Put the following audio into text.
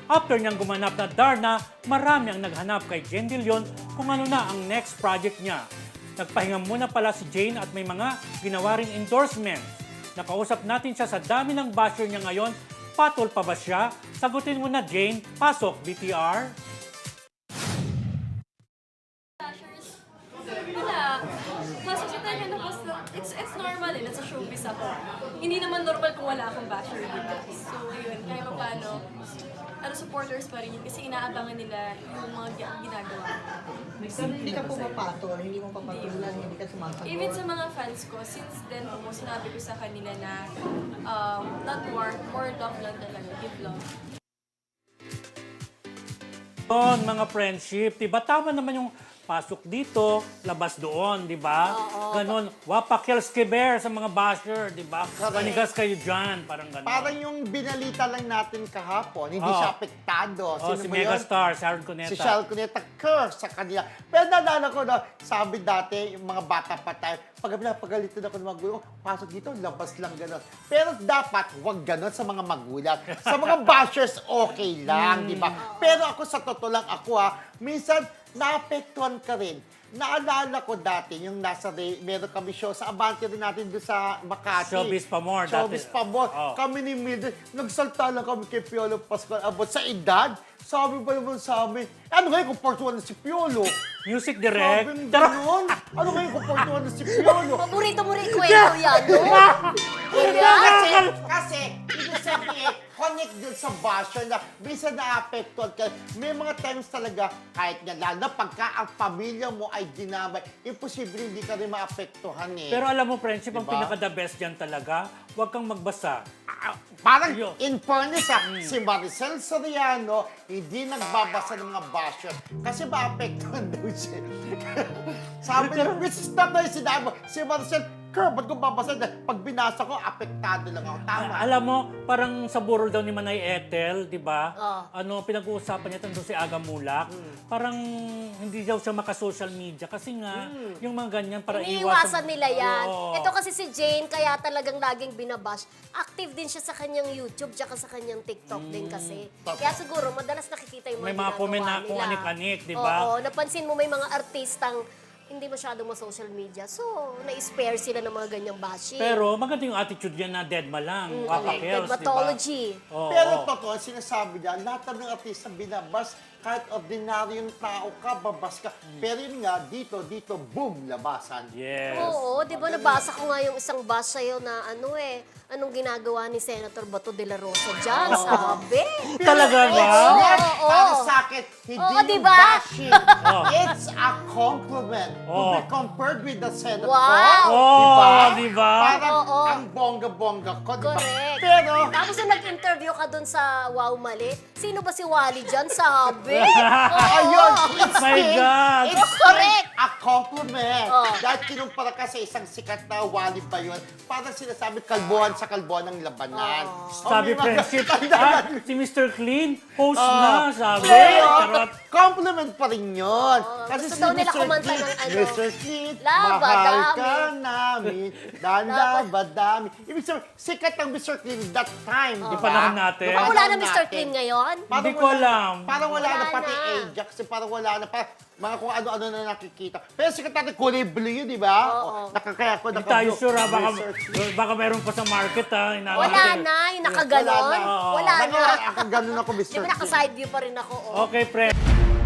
After niyang gumanap na Darna, marami ang naghanap kay Jane De Leon kung ano na ang next project niya. Nagpahinga muna pala si Jane at may mga ginawa ring endorsements. Nakausap natin siya sa dami ng basher niya ngayon. Patol pa ba siya? Sagutin mo na, Jane. Pasok, BTR. Wala. Masasita niya na post na, it's normal eh, nasa showbiz ako. Hindi naman normal kung wala akong basher dito. So, yun, kahit pa paano, supporters pa rin yun kasi inaabangan nila yung mga ginagawa. Hindi ka pumapatol, hindi mo papatulan, hindi ka sumasagot. Even sa mga fans ko, since then po, sinabi ko sa kanila na not war, more love lang talaga, give love. Doon, mga friendship, diba? Tama naman yung pasok dito, labas doon, di ba? Ganon. Wapakels keber sa mga basher, di ba? Manigas kayo dyan, parang ganon. Parang yung binalita lang natin kahapon, hindi siya apektado. Oh, si Megastar, Sharon Cuneta. Si Sharon Cuneta, curse sa kanila. Pero naalala ko na, sabi dati, yung mga bata pa tayo, pag napagalitan ako ng magulang, pasok dito, labas lang gano'n. Pero dapat, huwag gano'n sa mga magulang. Sa mga bashers, okay lang, di ba? Pero ako, sa totoo lang ako minsan, naapektuhan ka rin. Naalala ko dati, yung meron kami show sa Abante rin natin doon sa Makati. Showbiz pa more Showbiz dati. pa more. Oh. Kami ni Mildred, nagsalta lang kami kay Piolo Pascual about sa edad. Sabi ba naman sa amin, ano ngayon kung portuan na si Piolo? Music direct. Sabi gano'n? Ano ngayon kung portuan na si Piolo? Paborito mo rin kwento yan, no? Kasi, ibig sabihin, connect din sa basher na bisa na-apektuhan ka. May mga times talaga, kahit nga lalo na pagka ang pamilya mo ay dinamay, imposible hindi ka rin maapektuhan eh. Pero alam mo, friendship, ang Diba? pinaka-the best dyan talaga, huwag kang magbasa. Parang Ayun. in fairness si Maricel Soriano hindi nagbabasa ng mga basher kasi maapektuhan daw siya. Sabi niya, which is not na yung sinabi mo, si Maricel, ba't ko babasa dyan? Pag binasa ko, apektado lang ako. Tama. Alam mo, parang sa burol daw ni Manay Ethel, di ba? Oh. Pinag-uusapan niya tungkol si Aga Mulak. Parang hindi daw siya maka-social media kasi nga, yung mga ganyan, para Iniiwasan nila yan. Oo. Ito kasi si Jane, kaya talagang laging binabash. Active din siya sa kanyang YouTube, tsaka sa kanyang TikTok din kasi. Kaya siguro, madalas nakikita yung mga May mga ginagawa comment na nila. kung anik-anik, di ba? Oo, napansin mo may mga artistang hindi masyadong ma-social media. So, na-spare sila ng mga ganyang bashing. Pero maganda yung attitude niya na deadma lang. Wapakels, di ba? Dermatology. Oo. Pero totoo, sinasabi niya, lahat ng artista binabas, kahit ordinaryong tao ka, babas ka. Pero yun nga, dito, boom, labasan. Yes. Oo, di ba nabasa ko nga yung isang bash sa'yo na anong ginagawa ni Senator Bato de la Rosa dyan, sabi. Talaga ba? Oo. Para sa akin, hindi Oo, yung diba? bashing. It's a compliment to be compared with the Senator. Wow! Oh, diba? Parang Oo. ang bongga-bongga ko, diba? Correct. Pero, Tapos nung nag-interview ka dun sa Wow Mali, sino ba si Wally dyan, sabi? Oo. ayun, it's my still, God. it's Correct. a compliment. Oh. Dahil kinumpara ka sa isang sikat na Wally ba yun, parang sinasabi kalbuhan sa kalbuhan ng labanan. Sabi may mga- friendship, Tanda- si Mr. Clean, host na, sabi. Pero, Charot. compliment pa rin yun. gusto daw nila kumanta ng Mr. Clean, Laba mahal dami. ka namin, laba dami. Ibig sabihin, sikat ang Mr. Clean that time, di ba? panahon natin. Baka wala na Panahon Mr. natin. Clean ngayon? Hindi ko alam. Parang wala na Wala pati na. Ajax, parang wala na. Parang mga kung ano-ano na nakikita. Pero sikat natin, kulay blue yun, di ba? Oo. Nakakaya ko, Hindi tayo naka-blue. sure, Research. baka meron pa sa market, Inaano Wala natin. na, yung nakaganon. Wala na. Wala na. Nakaganon ako, Mr. Di ba naka-side view pa rin ako? Oh. Okay, friend.